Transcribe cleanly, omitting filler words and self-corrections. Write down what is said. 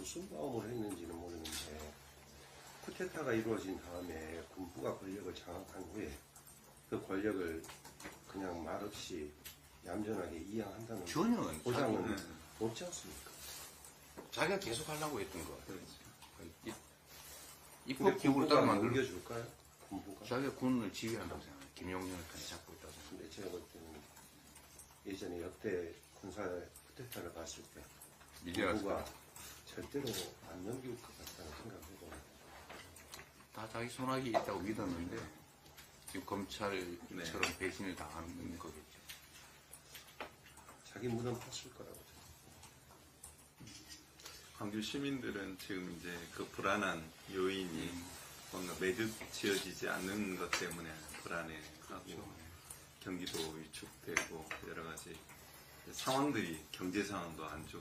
무슨 마음으로 했는지는 모르는데 쿠데타가 이루어진 다음에 군부가 권력을 장악한 후에 그 권력을 그냥 말없이 얌전하게 이양한다는 전혀 보장은 없지 않습니까? 자기가 계속 하려고 했던 거. 근데 입법 기구를 따라 군부가 만들고 넘겨줄까요? 군부가? 자기가 군을 지휘한다고 생각해요. 김용년을 편에 잡고 있다고 생각해요. 근데 제가 볼 때는 예전에 역대 군사 쿠데타를 봤을 때 미디어가 군부가 절대로 안 넘길 것 같다는 생각을 해요. 다 자기 손아귀 있다고 믿었는데 지금 검찰처럼 배신을 당하는 거겠죠. 자기 무덤 팠을 거라고. 광주 시민들은 지금 이제 그 불안한 요인이 뭔가 매듭 지어지지 않는 것 때문에 불안해하고 경기도 위축되고 여러 가지 상황들이 경제 상황도 안